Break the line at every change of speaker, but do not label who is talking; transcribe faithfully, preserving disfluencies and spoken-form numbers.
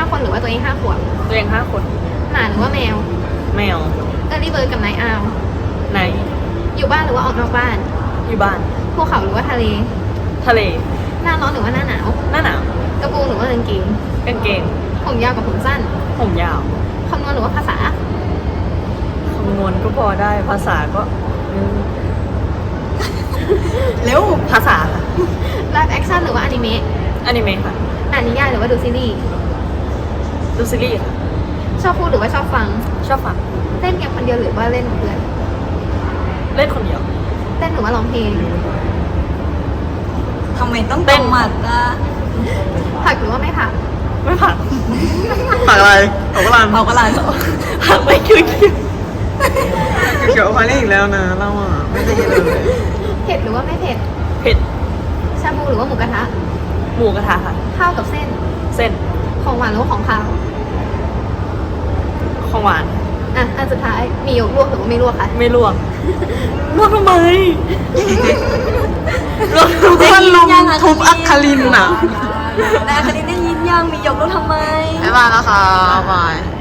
คนหรือว่าตัวเองห้าขวบ
ตัวเองห้าคน
หมาหรือว่าแมว
แมว
เออรี่เบิร์ดกับไนท์อาว
ไหน
อยู่บ้านหรือว่าออกนอกบ้าน
อยู่บ้าน
ภูเขาหรือว่าทะเล
ทะเล
หน้าร้อนหรือว่าหน้าหนาว
หน้าหนาว
กระโปรงหรือว่ากางเกง
กางเกง
ผมยาวกับผมสั้น
ผมยาว
คำนวณหรือว่าภาษา
คำนวณก็พอได้ภาษาก็อืม เร็วภาษาค่ะ
ไลฟ์แอคชั่นหรือว่าอนิเมะ
อนิเมะค่ะ
อ่านนิยายหรือว่าดูซีรีส์
ดูซีรีส์ค่ะ
ชอบพูดหรือว่าชอบฟัง
ชอบฟัง
เล่นเกมคนเดียวหรือว่าเล่นกับเพื่อน
เล่นคนเดียว
เต้นหรือว่าร้องเพลง
ทำไมต้อง
เต้น
กำหมัดอ่ะ
ผักหรือว่าไม่ผัก
ไม่ผัก
ผักอะไรผักกะหล่ำ
เอากระลาน
ผักไม่คิวคิว
เขียวๆพานี่อีกแล้วนะเราอ่ะไม่ได้ยินเลย
เผ็ดหรือว่าไม่เผ็ด
เผ็ด
ชาบูหรือว่าหมูกระทะ
หมูกระทะค่ะ
ข้าวกับเส้น
เส้น
ของหวานหรือว่าของคาว
ของหวาน
อ่ะ อันสุดท้าย มียกลวกหรือว่าไม่ลวกคะ
ไม่ลวกลวกทำไมลวกทำไม
มันลงทุบอัคคลินอ่ะ
แต่อัคคลินได้ยินยังมีหยกแล้วทำไม
บ๊ายบายนะคะบาย